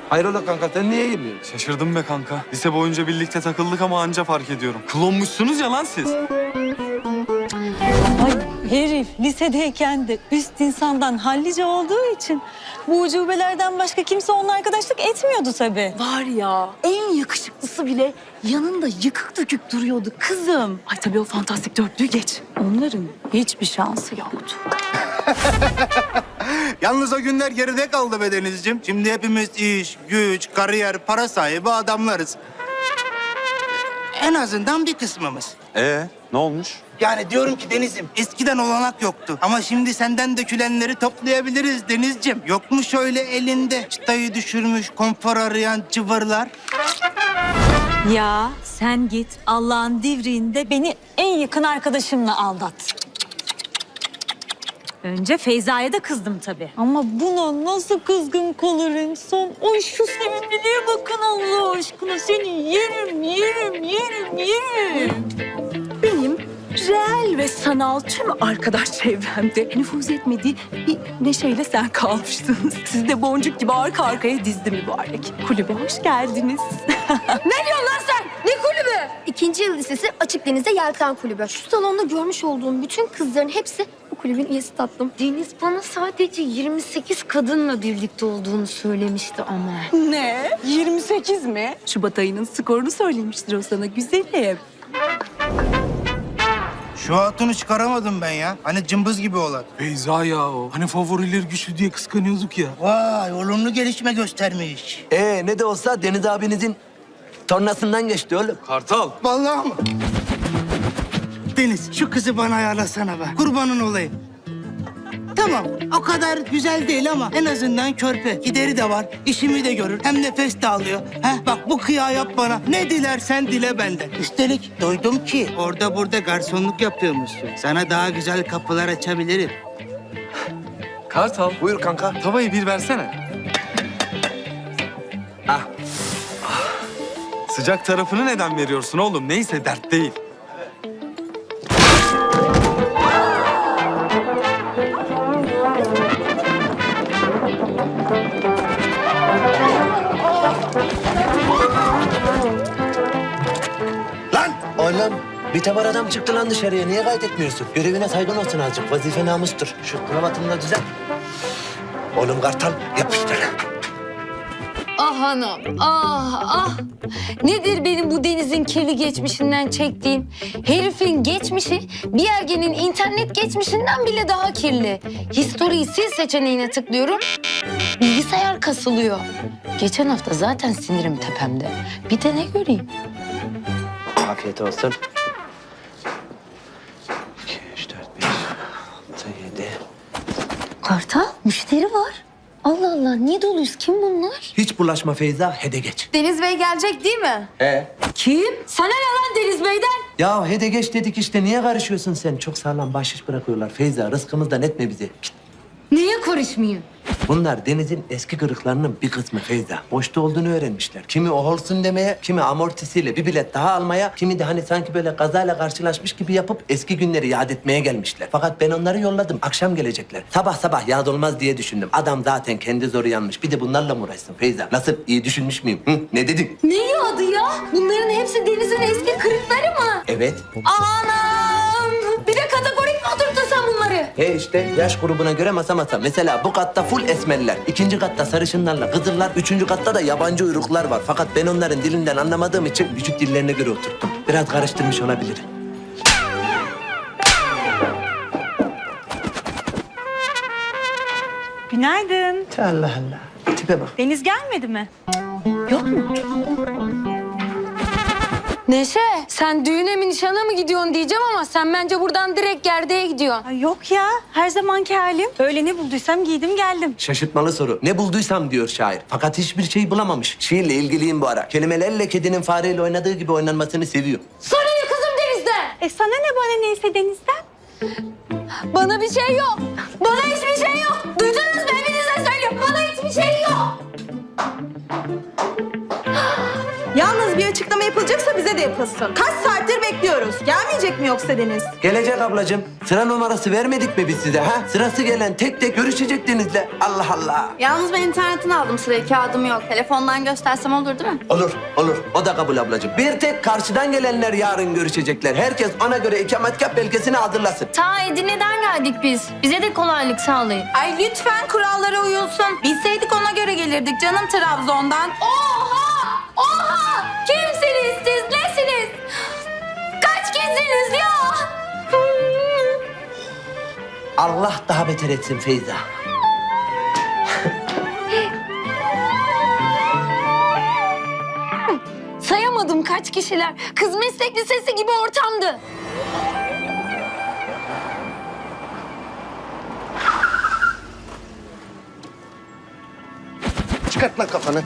Hayrola kanka sen niye girmiyorsun? Şaşırdım be kanka. Lise boyunca birlikte takıldık ama anca fark ediyorum. Klonmuşsunuz ya lan siz. Ay herif lisedeyken de üst insandan hallice olduğu için bu ucubelerden başka kimse onunla arkadaşlık etmiyordu tabii. Var ya, en yakışıklısı bile yanında yıkık dökük duruyordu kızım. Ay tabii o fantastik dörtlüğü geç. Onların hiçbir şansı yoktu. Yalnız o günler geride kaldı be Denizciğim. Şimdi hepimiz iş, güç, kariyer, para sahibi adamlarız. En azından bir kısmımız. Ne olmuş? Yani diyorum ki Deniz'im, eskiden olanak yoktu. Ama şimdi senden dökülenleri toplayabiliriz Denizciğim. Yok mu şöyle elinde çıtayı düşürmüş, konfor arayan cıvırlar? Ya sen git Allah'ın divriğinde beni en yakın arkadaşımla aldat. Önce Feyza'ya da kızdım tabii. Ama buna nasıl kızgın kalır insan? Ay şu sevimliliğe bakın Allah aşkına. Seni yerim, yerim, yerim, yerim. Benim reel ve sanal tüm arkadaş çevremde nüfuz etmediği bir Neşe'yle sen kalmıştınız. Siz de boncuk gibi arka arkaya dizdi mübarek. Kulübe hoş geldiniz. Ne diyorsun lan sen? Ne kulübü? İkinci yıl lisesi Açık Deniz'de Yelken Kulübü. Şu salonda görmüş olduğum bütün kızların hepsi bu kulübün üyesi tatlım. Deniz bana sadece 28 kadınla birlikte olduğunu söylemişti ama. Ne? 28 mi? Şubat ayının skorunu söylemiştir o sana güzelim. Şu hatunu çıkaramadım ben ya. Hani cımbız gibi olan. Beyza ya o. Hani favoriler güçlü diye kıskanıyorduk ya. Vay, olumlu gelişme göstermiş. Ne de olsa Deniz abinizin tornasından geçti oğlum. Kartal. Vallahi mı? Deniz, şu kızı bana ayarlasana be. Kurbanın olayım. Tamam, o kadar güzel değil ama en azından körpe. Gideri de var, işimi de görür. Hem nefes de alıyor. Heh, bak bu kıyağı yap bana. Ne dilersen dile benden. Üstelik duydum ki orada burada garsonluk yapıyormuşsun. Sana daha güzel kapılar açabilirim. Kartal, Buyur kanka. tavayı bir versene. Ah. Sıcak tarafını neden veriyorsun oğlum? Neyse dert değil. Lan! Oğlum bir tabar adam çıktı lan dışarıya. Niye kaydetmiyorsun? Görevine saygın olsun azıcık. Vazife namustur. Şu kravatını da düzelt. Oğlum Kartal yapıştır. Ah hanım, ah. Nedir benim bu Deniz'in kirli geçmişinden çektiğim? Herifin geçmişi bir ergenin internet geçmişinden bile daha kirli. History'yi sil seçeneğine tıklıyorum. Bilgisayar kasılıyor. Geçen hafta zaten sinirim tepemde. Bir de ne göreyim? Afiyet olsun. 2, 3, 4, 5, 6, 7. Kartal, müşteri var. Allah Allah, niye doluyuz? Kim bunlar? Hiç bulaşma Feyza, hede geç. Deniz Bey gelecek değil mi? Kim? Sana ne lan Deniz Bey'den? Ya hede geç dedik işte. Niye karışıyorsun sen? Çok sağlam bahşiş bırakıyorlar. Feyza rızkımızdan etme bizi. Git. Niye karışmayayım? Bunlar Deniz'in eski kırıklarının bir kısmı Feyza. Boşta olduğunu öğrenmişler. Kimi o olsun demeye, kimi amortisiyle bir bilet daha almaya, kimi de hani sanki böyle kazayla karşılaşmış gibi yapıp eski günleri yad etmeye gelmişler. Fakat ben onları yolladım. Akşam gelecekler. Sabah sabah yad olmaz diye düşündüm. Adam zaten kendi zoru yanmış. Bir de bunlarla mı uğraşsın Feyza? Nasıl? İyi düşünmüş müyüm? Hı? Ne dedin? Ne adı ya? Bunların hepsi Deniz'in eski kırıkları mı? Evet. Anam! Bir de kategorik mi oturttun sen bunları? İşte yaş grubuna göre masa masa. Mesela bu katta full esmerler. İkinci katta sarışınlarla kızıllar. Üçüncü katta da yabancı uyruklar var. Fakat ben onların dilinden anlamadığım için vücut dillerine göre oturttum. Biraz karıştırmış olabilirim. Günaydın. Allah Allah. Tipe bak. Deniz gelmedi mi? Neşe, sen düğüne mi nişana mı gidiyorsun diyeceğim ama sen bence buradan direkt gerdeğe gidiyorsun. Ay yok ya. Her zamanki halim. Öyle ne bulduysam giydim geldim. Şaşırtmalı soru. Ne bulduysam diyor şair. Fakat hiçbir şey bulamamış. Şiirle ilgiliyim bu ara. Kelimelerle kedinin fareyle oynadığı gibi oynanmasını seviyor. Sana ne kızım Deniz'den? Sana ne bana neyse Deniz'den. Bana bir şey yok. Bana hiçbir şey yok. Duydunuz mu? Hepinize söylüyorum. Bana hiçbir şey yok. Yalnız bir açıklama yapılacaksa bize de yapılsın. Kaç saattir bekliyoruz. bekliyoruz. Gelmeyecek mi yoksa Deniz? Gelecek ablacığım. Sıra numarası vermedik mi biz size ha? Sırası gelen tek tek görüşecek Deniz'le. Allah Allah. Yalnız ben internetten aldım sırayı. Kağıdım yok. Telefondan göstersem olur değil mi? Olur, olur. O da kabul ablacığım. Bir tek karşıdan gelenler yarın görüşecekler. Herkes ona göre ikametgah belgesini hazırlasın. Ta Edirne'den geldik biz. Bize de kolaylık sağlayın. Ay lütfen kurallara uyulsun. Bilseydik ona göre gelirdik canım Trabzon'dan. Oha! Oha! Kimsiniz siz? Nesiniz? Kaç kişisiniz ya? Allah daha beter etsin Feyza. Sayamadım kaç kişiler. Kız meslek lisesi gibi ortamdı. Çıkart lan kafanı.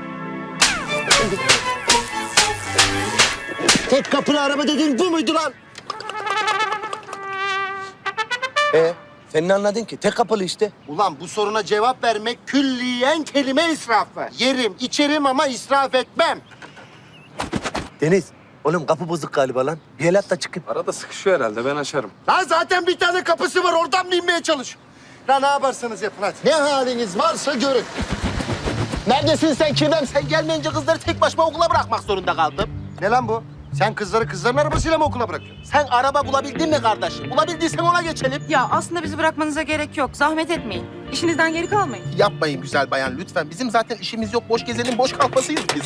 Tek kapılı araba dediğin bu muydu lan? Sen ne anladın ki? Tek kapılı işte. Ulan bu soruna cevap vermek külliyen kelime israfı. Yerim, içerim ama israf etmem. Deniz, oğlum kapı bozuk galiba lan. Bir el at da çıkayım. Arada sıkışıyor herhalde, ben açarım. Lan zaten bir tane kapısı var, oradan mı inmeye çalış? Lan ne yaparsanız yapın hadi. Ne haliniz varsa görün. Neredesin sen Kirvem? Sen gelmeyince kızları tek başıma okula bırakmak zorunda kaldım. Ne lan bu? Sen kızları kızların arabasıyla mı okula bırakıyorsun? Sen araba bulabildin mi kardeşim? Bulabildiysen ona geçelim. Ya aslında bizi bırakmanıza gerek yok. Zahmet etmeyin. İşinizden geri kalmayın. Yapmayın güzel bayan lütfen. Bizim zaten işimiz yok. Boş gezenin boş kalmasıyız biz.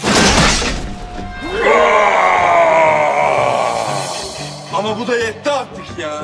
Ama bu da yetti artık ya.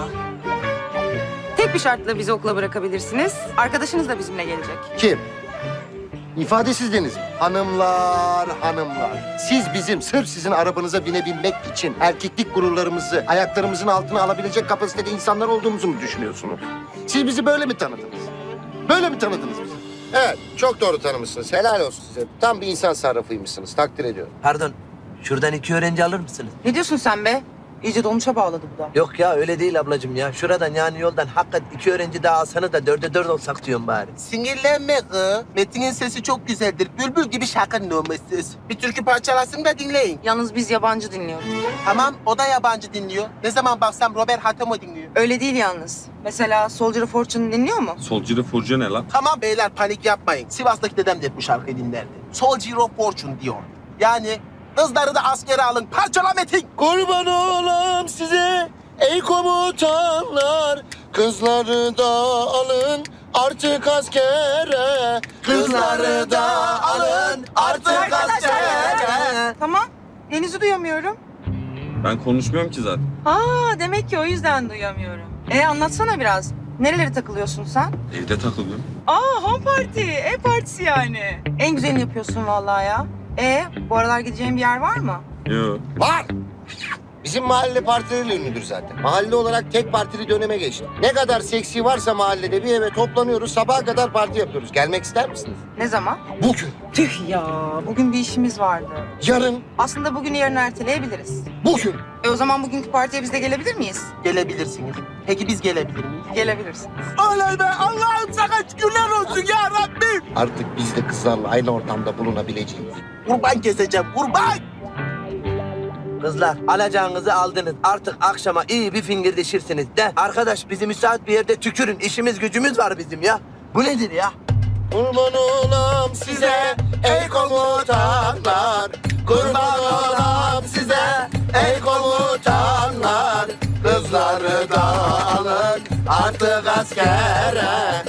Tek bir şartla bizi okula bırakabilirsiniz. Arkadaşınız da bizimle gelecek. Kim? İfadesiz Deniz. Hanımlar, hanımlar. Siz bizim sırf sizin arabanıza binebilmek için erkeklik gururlarımızı ayaklarımızın altına alabilecek kapasitede insanlar olduğumuzu mu düşünüyorsunuz? Siz bizi böyle mi tanıdınız? Böyle mi tanıdınız bizi? Evet, çok doğru tanımışsınız. Helal olsun size. Tam bir insan sarrafıymışsınız. Takdir ediyorum. Pardon, şuradan 2 öğrenci alır mısınız? Ne diyorsun sen be? İyice dolmuşa bağladı bu da. Yok ya öyle değil ablacığım ya. Şuradan yani yoldan hakikaten 2 öğrenci daha alsanız da 4'e 4 olsak diyorum bari. Sinirlenme kız. Metin'in sesi çok güzeldir. Bülbül gibi şarkının olması. Bir türkü parçalasın da dinleyin. Yalnız biz yabancı dinliyoruz. Tamam, o da yabancı dinliyor. Ne zaman baksam Robert Hatemo dinliyor. Öyle değil yalnız. Mesela Soldier of Fortune dinliyor mu? Solcu furcu ne lan? Tamam beyler panik yapmayın. Sivas'taki dedem de hep bu şarkıyı dinlerdi. Soldier of Fortune diyor. Yani kızları da askere alın. Parçala Metin. Kurban olam size ey komutanlar. Kızları da alın artık askere. Kızları da alın artık askere. Tamam. Deniz'i duyamıyorum. Ben konuşmuyorum ki zaten. Aa demek ki o yüzden duyamıyorum. Anlatsana biraz. Nerelere takılıyorsun sen? Evde takılıyorum. Aa home party. Ev partisi yani. En güzelini yapıyorsun vallahi ya. Bu aralar gideceğin bir yer var mı? Yo. Var. Bizim mahalle partileriyle ünlüdür zaten. Mahalle olarak tek partili döneme geçti. Ne kadar seksi varsa mahallede bir eve toplanıyoruz. Sabaha kadar parti yapıyoruz. Gelmek ister misiniz? Ne zaman? Bugün, Tüh ya. Bugün bir işimiz vardı. yarın, Aslında bugünü yarın erteleyebiliriz. bugün O zaman bugünkü partiye biz de gelebilir miyiz? gelebilirsiniz. Peki biz gelebilir miyiz? Gelebilirsin. Oley be! Allah'ım sana şükürler olsun ya Rabbim! Artık biz de kızlarla aynı ortamda bulunabileceğiz. Kurban keseceğim, kurban! Kızlar alacağınızı aldınız. Artık akşama iyi bir fingirdeşirsiniz de. Arkadaş bizi müsait bir yerde tükürün. İşimiz gücümüz var bizim ya. Bu nedir ya? Kurban olam size ey komutanlar. Kurban olam size ey komutanlar. Kızları da alın artık askere.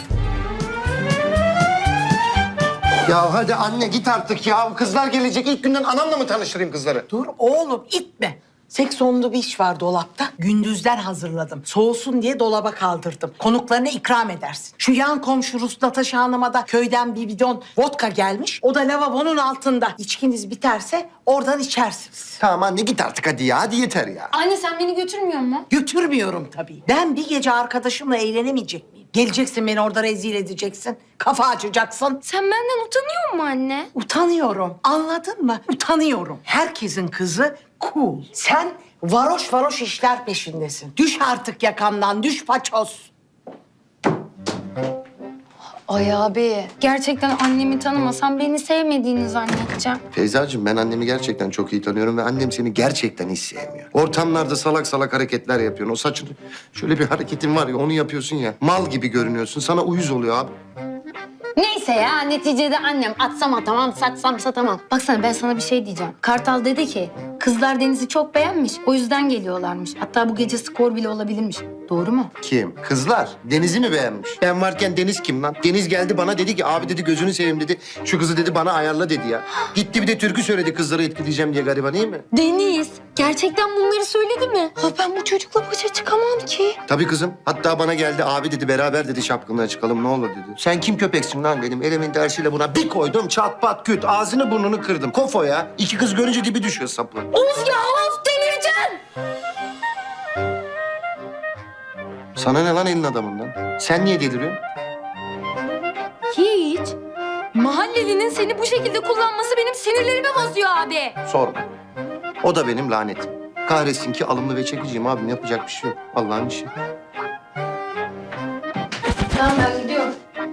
Ya hadi anne git artık ya. Kızlar gelecek. İlk günden anamla mı tanıştırayım kızları? Dur oğlum itme. Seksonlu bir iş var dolapta. Gündüzden hazırladım. Soğusun diye dolaba kaldırdım. Konuklarına ikram edersin. Şu yan komşu Rus Natasha Hanım'a da köyden bir bidon vodka gelmiş. O da lavabonun altında. İçkiniz biterse oradan içersiniz. Tamam anne git artık hadi ya. Hadi yeter ya. Anne sen beni götürmüyor musun? Götürmüyorum tabii. Ben bir gece arkadaşımla eğlenemeyecek miyim? Geleceksin beni orada rezil edeceksin. Kafa açacaksın. Sen benden utanıyor musun anne? Utanıyorum. Anladın mı? Utanıyorum. Herkesin kızı cool. Sen varoş varoş işler peşindesin. Düş artık yakamdan, düş paçoz. Ay abi, gerçekten annemi tanımasam beni sevmediğini zannedeceğim. Feyzacığım ben annemi gerçekten çok iyi tanıyorum ve annem seni gerçekten hiç sevmiyor. Ortamlarda salak salak hareketler yapıyorsun. O saçın şöyle bir hareketin var ya onu yapıyorsun ya. Mal gibi görünüyorsun. Sana uyuz oluyor abi. Neyse ya, neticede annem atsam atamam, satsam satamam. Baksana ben sana bir şey diyeceğim. Kartal dedi ki, kızlar Deniz'i çok beğenmiş, o yüzden geliyorlarmış. Hatta bu gece skor bile olabilirmiş. Doğru mu? Kim? Kızlar. Deniz'i mi beğenmiş? Ben varken Deniz kim lan? Deniz geldi bana dedi ki abi dedi gözünü seveyim dedi. Şu kızı dedi bana ayarla dedi ya. Gitti bir de türkü söyledi kızları etkileyeceğim diye gariban iyi mi? Deniz, gerçekten bunları söyledi mi? Ha ben bu çocukla başa çıkamam ki. Tabii kızım. Hatta bana geldi abi dedi beraber dedi şapkınlığa çıkalım ne olur dedi. Sen kim köpeksin lan dedim. Elimin tersiyle buna bir koydum çat pat küt. Ağzını burnunu kırdım. Kofo ya. İki kız görünce dibi düşüyor sapı. Of ya of, delireceğim. Sana ne lan elin adamından? Sen niye deliriyorsun? Hiç. Mahallelinin seni bu şekilde kullanması benim sinirlerimi bozuyor abi. Sorma. O da benim lanetim. Kahretsin ki alımlı ve çekiciyim abim. Yapacak bir şey yok. Allah'ın işi. Tamam ben gidiyorum.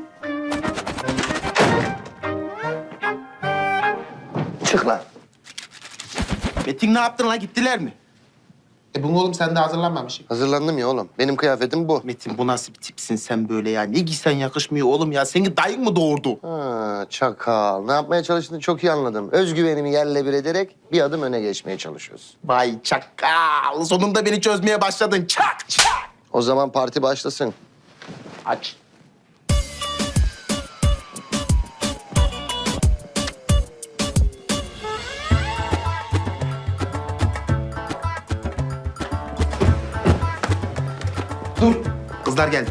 Çık lan. Metin ne yaptın lan? Gittiler mi? Bu oğlum sen de hazırlanmamışsın. Hazırlandım ya oğlum. Benim kıyafetim bu. Metin bu nasıl bir tipsin sen böyle ya? Ne giysen yakışmıyor oğlum ya. Seni dayın mı doğurdu? Ha, çakal. Ne yapmaya çalıştığını çok iyi anladım. Özgüvenimi yerle bir ederek bir adım öne geçmeye çalışıyorsun. Vay çakal. Sonunda beni çözmeye başladın. Çak çak. O zaman parti başlasın. Aç. Dur. Kızlar geldi.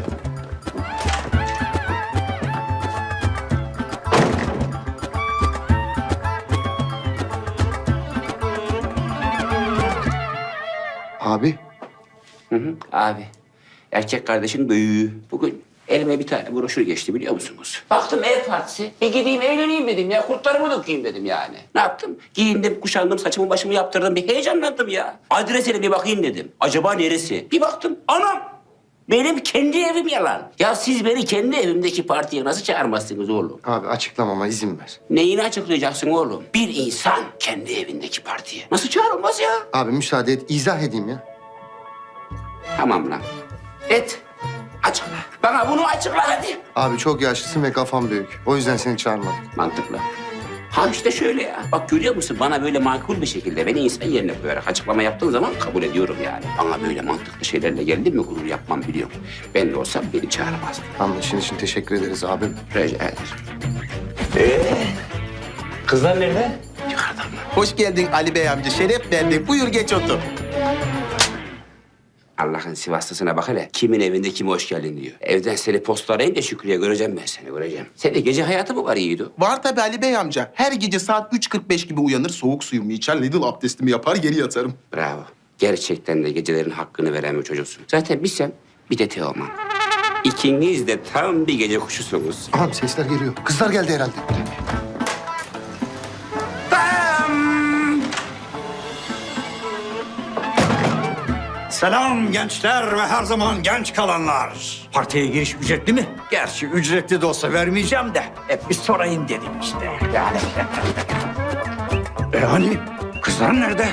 Abi. Abi, erkek kardeşin büyüğü. Bugün elime bir tane broşür geçti biliyor musunuz? Baktım ev partisi. Bir gideyim eğleneyim dedim ya. Kurtlarımı dökeyim dedim yani. Ne yaptım? Giyindim, kuşandım, saçımı başımı yaptırdım. Bir heyecanlandım ya. Adresine bir bakayım dedim. Acaba neresi? Bir baktım. Anam! Benim kendi evim yalan. Ya siz beni kendi evimdeki partiye nasıl çağırmazsınız oğlum? Abi açıklamama izin ver. Neyini açıklayacaksın oğlum? Bir insan kendi evindeki partiye nasıl çağrılmaz ya? Abi müsaade et. izah edeyim ya. Tamam lan. Et. Açıkla. Bana bunu açıkla hadi. Abi çok yaşlısın ve kafam büyük. O yüzden seni çağırmadım. Mantıklı. Ha işte şöyle ya. Bak görüyor musun? Bana böyle makul bir şekilde beni insan yerine koyarak açıklama yaptığın zaman kabul ediyorum yani. Bana böyle mantıklı şeylerle geldin mi gurur yapmam biliyorum. Ben de olsam beni çağırmazdın. Anlaşın için teşekkür ederiz abim. Rica ederim. Kızlar nerede? Yukarıdan mı? Hoş geldin Ali Bey amca. Şeref verdin. Buyur geç otur. Allah'ın Sivaslısına bak hele. Kimin evinde kime hoş geldin diyor. Evden seni postalayınca Şükrü'ye göreceğim ben seni göreceğim. Senin gece hayatı mı var Yiğido? Var tabii Ali Bey amca. Her gece saat 3.45 gibi uyanır, soğuk suyumu içer, Lidl abdestimi yapar, geri yatarım. Bravo. Gerçekten de gecelerin hakkını veren bir çocuksun. Zaten bir sen, bir de Teoman. İkiniz de tam bir gece kuşusunuz. Aha sesler geliyor. Kızlar geldi herhalde. Selam gençler ve her zaman genç kalanlar. Partiye giriş ücretli mi? Gerçi ücretli de olsa vermeyeceğim de hep bir sorayım dedim işte. Yani. Hani kızlar nerede?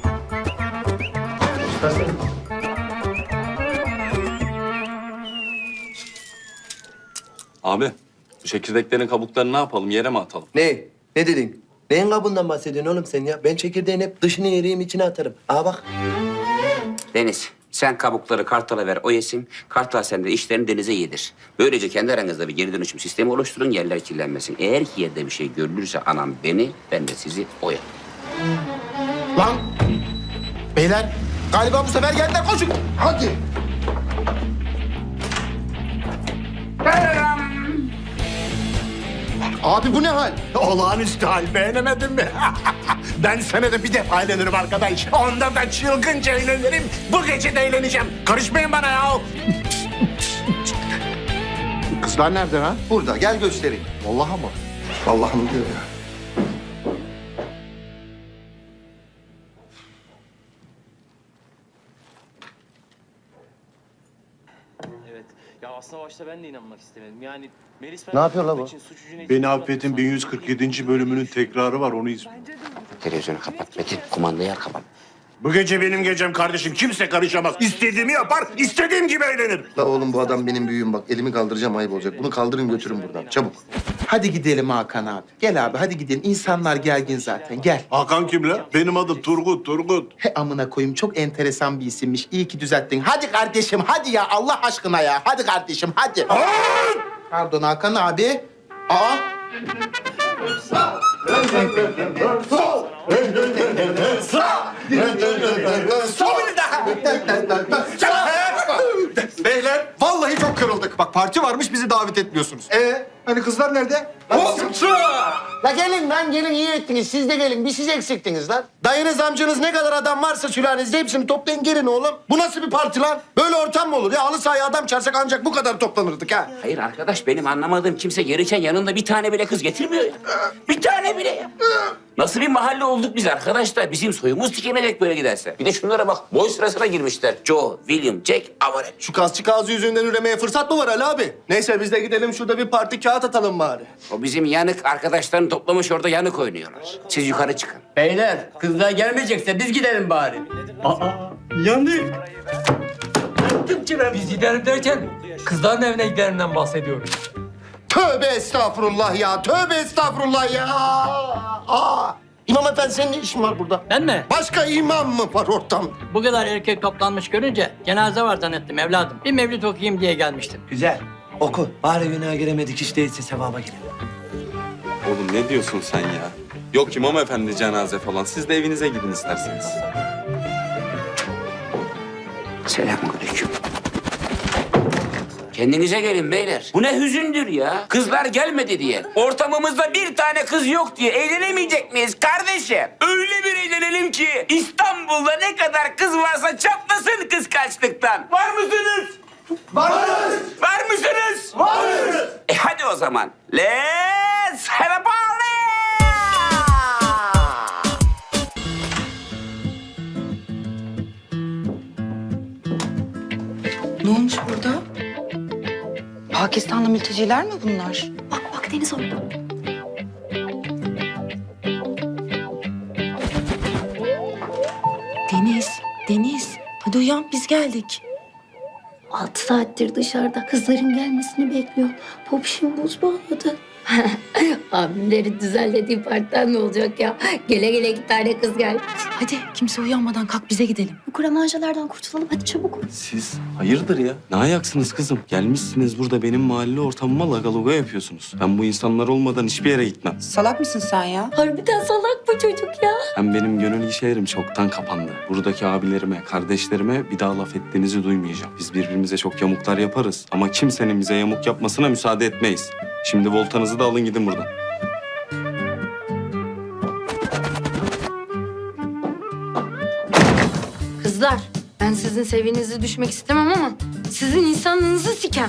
Abi, bu çekirdeklerin kabuklarını ne yapalım? Yere mi atalım? Ne? Ne dedin? Neyin kabuğundan bahsediyorsun oğlum sen ya? Ben çekirdeğin hep dışını yeriyim, içine atarım. Aa bak. Deniz, sen kabukları Kartal'a ver, o yesin. Kartal sen de işlerini Deniz'e yedir. Böylece kendi aranızda bir geri dönüşüm sistemi oluşturun, yerler kirlenmesin. Eğer ki yerde bir şey görülürse anam beni, ben de sizi oya. Lan! Beyler, galiba bu sefer geldiler. Koşun! Hadi! Abi bu ne hal? Olağanüstü hal beğenemedin mi? Ben senede bir defa eğlenirim arkadaş. Onda da çılgınca eğlenirim. Bu gece de eğleneceğim. Karışmayın bana ya. Kızlar nerede ha? Burada. Gel göstereyim. Vallahi mı? Vallahi mı diyor ya? Evet. Ya aslında başta ben de inanmak istemedim. Yani Melis Ne yapıyor la bu? Beni Affet'in 1147. bölümünün tekrarı var, onu izle. Televizyonu kapat Metin. Kumandayı al kapat. Bu gece benim gecem kardeşim. Kimse karışamaz. İstediğimi yapar, istediğim gibi eğlenir. La oğlum bu adam benim büyüğüm bak. Elimi kaldıracağım ayıp olacak. Bunu kaldırın götürün buradan çabuk. Hadi gidelim Hakan abi. Gel abi hadi gidelim. İnsanlar gergin zaten gel. Hakan kim la? Benim adım Turgut. He amına koyayım çok enteresan bir isimmiş. İyi ki düzelttin. Hadi kardeşim hadi ya Allah aşkına ya. Hadi kardeşim hadi. Pardon Hakan abi. Aa. Beyler vallahi çok kırıldık. Bak parti varmış bizi davet etmiyorsunuz. Hani kızlar nerede? La gelin lan gelin iyi ettiniz. Siz de gelin. Bir siz eksiktiniz lan. Dayınız amcanız ne kadar adam varsa sülalenizde hepsini toplayın gelin oğlum. Bu nasıl bir parti lan? Böyle ortam mı olur? Ya halı sahaya adam çağırsak ancak bu kadar toplanırdık ha. Hayır arkadaş benim anlamadığım kimse gelirken yanında bir tane bile kız getirmiyor ya. Bir tane bile ya. Nasıl bir mahalle olduk biz arkadaşlar? Bizim soyumuz tükenecek böyle giderse. Bir de şunlara bak boy sırasına girmişler. Joe, William, Jack, Avaret. Şu kasçı ağzı yüzünden üremeye fırsat mı var Ali abi? Neyse biz de gidelim şurada bir parti kağıt atalım bari. O bizim yanık arkadaşlarını toplamış orada yanık oynuyorlar. Siz yukarı çıkın. Beyler kızlar gelmeyecekse biz gidelim bari. Yandık. Biz gidelim derken kızların evine giderimden bahsediyoruz. Tövbe estağfurullah ya. Tövbe estağfurullah ya. İmam efendi senin ne işin var burada? Ben mi? Başka imam mı var ortamda? Bu kadar erkek toplanmış görünce cenaze var zannettim evladım. Bir mevlüt okuyayım diye gelmiştim. Güzel. Oku. Bari günaha giremedik hiç değilse sevaba girelim. Oğlum ne diyorsun sen ya? Yok imam efendi cenaze falan. Siz de evinize gidin isterseniz. Selamünaleyküm. Kendinize gelin beyler. Bu ne hüzündür ya. Kızlar gelmedi diye. Ortamımızda bir tane kız yok diye eğlenemeyecek miyiz kardeşim? Öyle bir eğlenelim ki İstanbul'da ne kadar kız varsa çatlasın kıskançlıktan. Var mısınız? Varız. Var mısınız? Varız. Hadi o zaman. Let's have a party! Ne olmuş burada? Pakistanlı mülteciler mi bunlar? Bak bak Deniz orada. Deniz. Hadi uyan biz geldik. 6 saattir dışarıda kızların gelmesini bekliyor. Popişim buz bağladı. Abimlerin düzenlediği partiden ne olacak ya? Gele gele 2 tane kız geldi. Hadi kimse uyanmadan kalk bize gidelim. Bu kuramacılardan kurtulalım hadi çabuk. Siz hayırdır ya? Ne ayaksınız kızım? Gelmişsiniz burada benim mahalle ortamıma lagaluga yapıyorsunuz. Ben bu insanlar olmadan hiçbir yere gitmem. Salak mısın sen ya? Harbiden salak bu çocuk ya. Hem benim gönül işlerim çoktan kapandı. Buradaki abilerime, kardeşlerime bir daha laf ettiğinizi duymayacağım. Biz birbirimize çok yamuklar yaparız ama kimsenin bize yamuk yapmasına müsaade etmeyiz. Şimdi voltanızı da alın gidin buradan. Kızlar ben sizin seviyenize düşmek istemem ama sizin insanlığınızı sikem.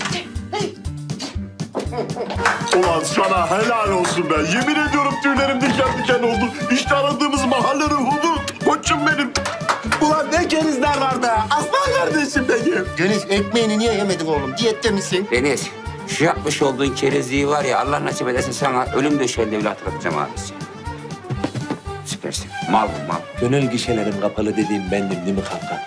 Ulan sana helal olsun be. Yemin ediyorum tüylerim diken diken oldu. İşte aradığımız mahalle ruhunu. Koçum benim. Ulan ne kerizler var be. Aslan kardeşim benim. Deniz ekmeğini niye yemedin oğlum? Diyette misin? Deniz, şu yapmış olduğun kerezliği var ya Allah nasip ederse sana ölüm döşeğinde bile hatırlatacağım abisi. Süpersin. Mal bu mal. Gönül gişelerim kapalı dediğim bendim değil mi kanka?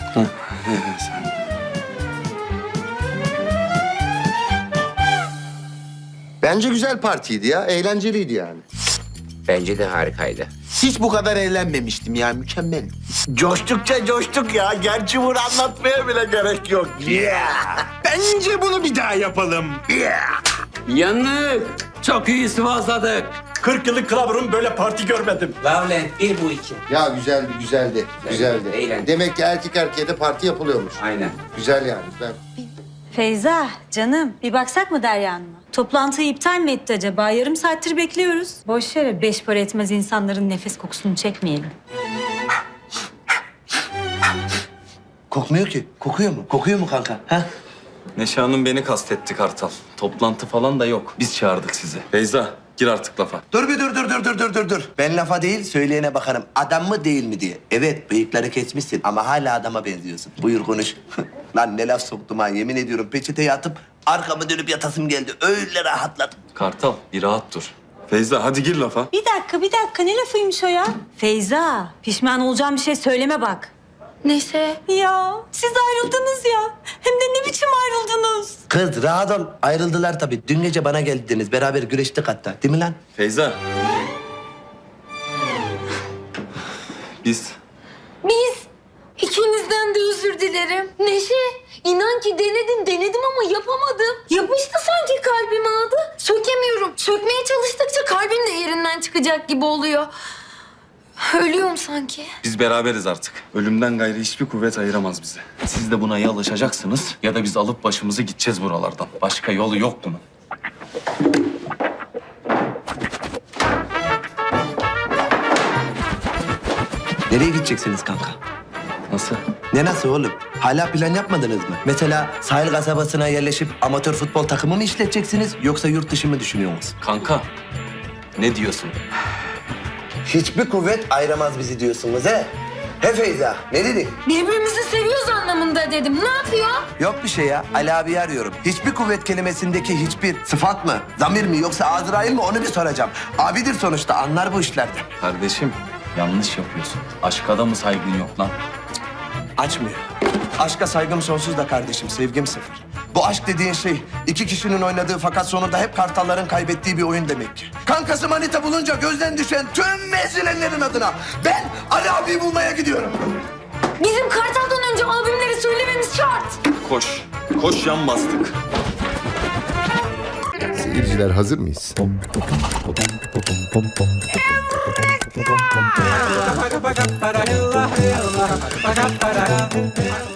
Bence güzel partiydi ya. Eğlenceliydi yani. Bence de harikaydı. Hiç bu kadar eğlenmemiştim ya. Mükemmel. Coştukça coştuk ya. Gerçi bunu anlatmaya bile gerek yok. Bence bunu bir daha yapalım. Yanık. Çok iyi sıvazladık. 40 yıllık kılavurun böyle parti görmedim. Lavlen bir bu iki. Ya güzeldi. Eğlenceli. Demek ki erkek erkeğe de parti yapılıyormuş. Aynen. Güzel yani. Feyza, canım bir baksak mı Derya Hanım'a? Toplantıyı iptal mi etti acaba? Yarım saattir bekliyoruz. Boş yere 5 para etmez insanların nefes kokusunu çekmeyelim. Kokmuyor ki. Kokuyor mu? Kokuyor mu kanka? Ha? Neşe Hanım beni kastetti Kartal. Toplantı falan da yok. Biz çağırdık sizi. Beyza Gir artık lafa. Dur bir dur. Ben lafa değil söyleyene bakarım. Adam mı değil mi diye. Evet bıyıkları kesmişsin ama hala adama benziyorsun. Buyur konuş. Lan ne laf soktum ha yemin ediyorum peçeteye atıp arkamı dönüp yatasım geldi. Öyle rahatladım. Kartal bir rahat dur. Feyza hadi gir lafa. Bir dakika. Ne lafıymış o ya? Feyza, pişman olacağım bir şey söyleme bak. Neyse. Ya, siz ayrıldınız ya. Hem de ne biçim ayrıldınız? Kız rahat ol. Ayrıldılar tabii. Dün gece bana geldiniz. Beraber güreştik hatta. Değil mi lan? Feyza. Biz Biz ikinizden de özür dilerim. Neşe, inan ki denedim ama yapamadım. Yapıştı sanki kalbime adı. Sökemiyorum. Sökmeye çalıştıkça kalbim de yerinden çıkacak gibi oluyor. Ölüyorum sanki. Biz beraberiz artık. Ölümden gayrı hiçbir kuvvet ayıramaz bizi. Siz de buna ya alışacaksınız ya da biz alıp başımızı gideceğiz buralardan. Başka yolu yok bunun. Nereye gideceksiniz kanka? Nasıl? Ne nasıl oğlum? Hala plan yapmadınız mı? Mesela sahil kasabasına yerleşip amatör futbol takımı mı işleteceksiniz yoksa yurt dışı mı düşünüyorsunuz? Kanka ne diyorsun? Hiçbir kuvvet ayıramaz bizi diyorsunuz he? He Feyza, ne dedin? Birbirimizi seviyoruz anlamında dedim. Ne yapıyor? Yok bir şey ya, Ali abi arıyorum. Hiçbir kuvvet kelimesindeki hiçbir sıfat mı, zamir mi yoksa Azrail mi onu bir soracağım. Abidir sonuçta, anlar bu işlerden. Kardeşim yanlış yapıyorsun. Aşka da mı saygın yok lan? Açmıyor. Aşka saygım sonsuz da kardeşim, sevgim sıfır. Bu aşk dediğin şey iki kişinin oynadığı fakat sonunda hep kartalların kaybettiği bir oyun demek ki. Kankası manita bulunca gözden düşen tüm mezilenlerin adına ben Ali abiyi bulmaya gidiyorum. Bizim Kartal'dan önce albümleri söylememiz şart. Koş. Koş yan bastık. Seyirciler hazır mıyız?